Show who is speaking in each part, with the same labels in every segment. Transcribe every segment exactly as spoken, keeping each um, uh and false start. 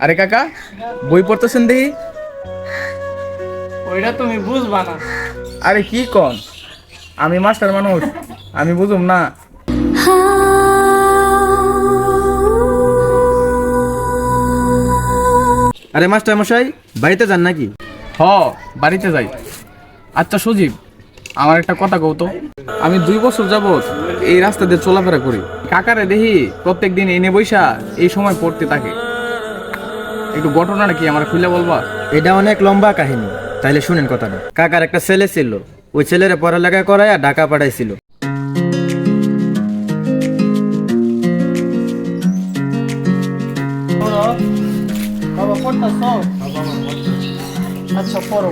Speaker 1: আরে কাকা, বই পড়তেছেন দেখি।
Speaker 2: ওইটা তুমি বুঝবা না।
Speaker 1: আরে কি কন, আমি মাস্টার মানুষ, আমি বুঝুম না।
Speaker 3: আরে মাস্টার মশাই, বাড়িতে যান নাকি?
Speaker 1: হ, বাড়িতে যাই। আচ্ছা সজীব, আমার একটা কথা কও তো। আমি দুই বছর যাবত এই রাস্তা দিয়ে চলাফেরা করি, কাকারে দেখি প্রত্যেক দিন এনে বৈশা এই সময় পড়তে থাকে। একটু ঘটনাটা কি আমার খুলে বলবা?
Speaker 3: এটা অনেক লম্বা কাহিনী, তাইলে শুনেন কথাটা। কাকার একটা ছেলে ছিল, ওই ছেলেরে পড়ালেখা করাইয়া ঢাকা পাঠাইছিল।
Speaker 2: বাবা পড়তাছ? আচ্ছা পড়ো।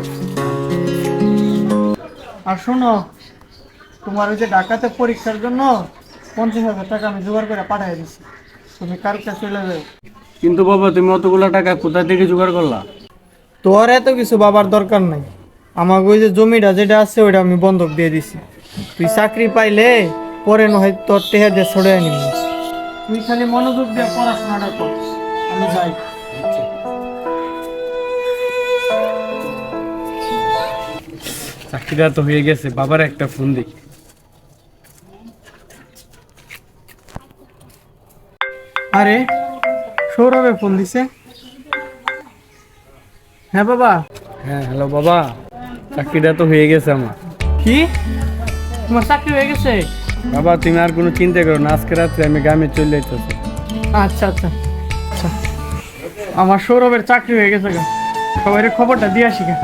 Speaker 2: আর শোনো, তোমার ওই যে ঢাকাতে পরীক্ষার জন্য পঞ্চাশ হাজার টাকা আমি জোগাড় করে পাঠিয়ে দিচ্ছি, তুমি কালকে চলে যাও।
Speaker 4: কিন্তু বাবা, তুমি অতগুলো টাকা কোথা থেকে জোগাড় করলা?
Speaker 2: তোর এত কিছু বাবার দরকার নাই, আমাকে ওই যে জমিটা যেটা আছে ওইটা আমি বন্ধক দিয়ে দিছি। তুই চাকরি পাইলে পরে নয় তোর টেহা দিয়ে ছড়ে নিবি। তুই খালি মনোযোগ দিয়ে পড়াশোনাটা কর, আমি যাই।
Speaker 4: চাকরিটা তো হয়ে গেছে, বাবার একটা ফোন দিই।
Speaker 2: আরে সৌরভে ফোন দিছে। হ্যাঁ বাবা।
Speaker 4: হ্যাঁ হ্যালো বাবা, চাকরিটা তো হয়ে গেছে আমার।
Speaker 2: কি, তোমার চাকরি হয়ে গেছে?
Speaker 4: বাবা তুমি আর কোনো চিন্তা করো না, আজকে রাত্রে আমি গ্রামে চলে যেতেছি।
Speaker 2: আচ্ছা আচ্ছা আচ্ছা, আমার সৌরভের চাকরি হয়ে গেছে গা, সবাই খবরটা দিয়ে আসি গা।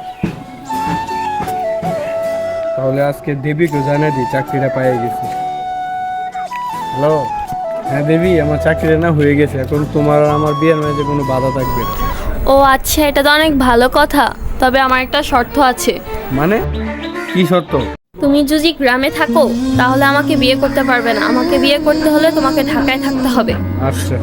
Speaker 4: তাহলে আজকে দেবীকে জানিয়ে দিই চাকরিটা পেয়ে গেছি। হ্যালো, হ্যাঁ দেবী, আমার চাকরিটা না হয়ে গেছে, এখন তোমার আর আমার বিয়ের মাঝে কোনো বাধা থাকবে না।
Speaker 5: ও আচ্ছা, এটা তো অনেক ভালো কথা। তবে আমার একটা শর্ত আছে।
Speaker 4: মানে কি শর্ত?
Speaker 5: তুমি যদি গ্রামে থাকো তাহলে আমাকে বিয়ে করতে পারবে না। আমাকে বিয়ে করতে হলে তোমাকে ঢাকায় থাকতে হবে।
Speaker 4: আচ্ছা।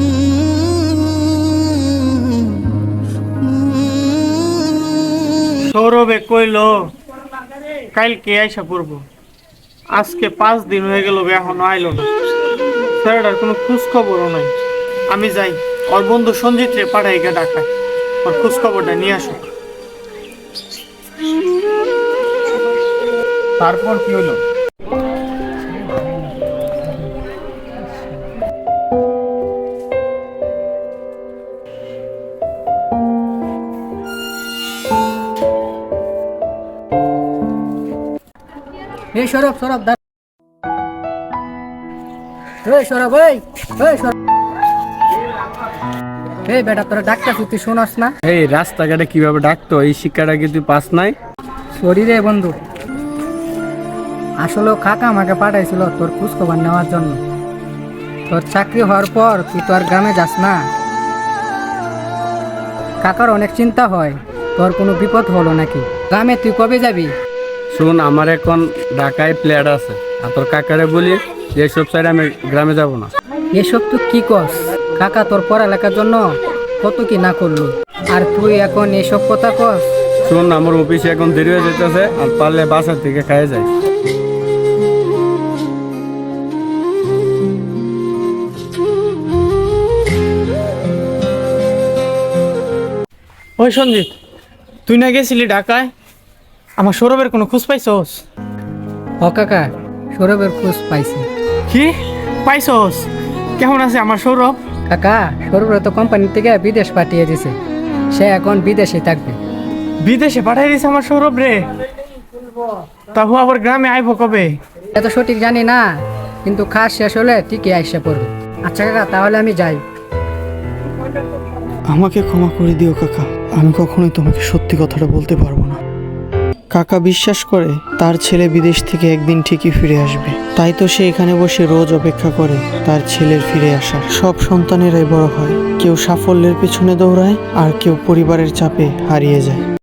Speaker 2: সৌরভে কইলো কালকে আইসা পড়বো, আজকে পাঁচ দিন হয়ে গেল, এখনো আইলো না। স্যারটার কোনো খোঁজ খবরও নাই। আমি যাই, ওর বন্ধু সঞ্জিত রে পাঠাই গা ঢাকায়, ওর খোঁজ খবরটা নিয়ে আসো।
Speaker 1: তারপর কি হলো?
Speaker 2: এই সৌরভ, সৌরভ দা, এই সৌরভ, এই এই সৌরভ, এই বেটা তোরা ডাক্তার তুই শোনাস না?
Speaker 4: এই রাস্তাঘাটে কিভাবে ডাকতো, এই শিক্ষাটা কি তুই পাস নাই?
Speaker 2: সরি রে বন্ধু, আসলে কাকা আমাকে পাঠাইছিল তোর খোঁজ খবর নেওয়ার জন্য। তোর চাকরি হওয়ার পর তুই তো আর গ্রামে যাস না, কাকার অনেক চিন্তা হয় তোর কোনো বিপদ হলো নাকি। গ্রামে তুই কবে যাবি?
Speaker 4: শোন, আমার এখন ঢাকায় প্লেয়ার আছে, আর তোর কাকারে বলি যে সব সাইডে আমি গ্রামে যাব না।
Speaker 2: এসব তুই কি কস? কাকা তোর পড়ালেখার জন্য কত কি না করলো, আর তুই এখন এসব কথা কস?
Speaker 4: শোন, আমার অফিসে এখন দেরি হয়ে যেতেছে, আর পারলে বাসা থেকে খাইয়ে যায়।
Speaker 2: ওই সঞ্জিত, তুই না গেছিলি ঢাকায়, আমার সৌরভের কোনো খোঁজ পাইছস? ও কাকা, সৌরভের খোঁজ পাইছি। কি পাইছস? কেমন আছে আমার সৌরভ? কাকা, সৌরভ তো কোম্পানি থেকে বিদেশ পাঠিয়ে দিছে, সে এখন বিদেশে থাকবে। বিদেশে পাঠিয়ে দিছে আমার সৌরভ রে? তাহু আবার গ্রামে আইব কবে? এত সঠিক জানি না, কিন্তু খাস শেষ হলে ঠিকই আইসা পড়বে। আচ্ছা কাকা, তাহলে আমি যাই।
Speaker 6: আমাকে ক্ষমা করে দিও কাকা, আমি কখনোই তোমাকে সত্যি কথাটা বলতে পারবো না। কাকা বিশ্বাস করে তার ছেলে বিদেশ থেকে একদিন ঠিকই ফিরে আসবে, তাই তো সে এখানে বসে রোজ অপেক্ষা করে তার ছেলের ফিরে আসা। সব সন্তানেরাই বড় হয়, কেউ সাফল্যের পেছনে দৌড়ায় আর কেউ পরিবারের চাপে হারিয়ে যায়।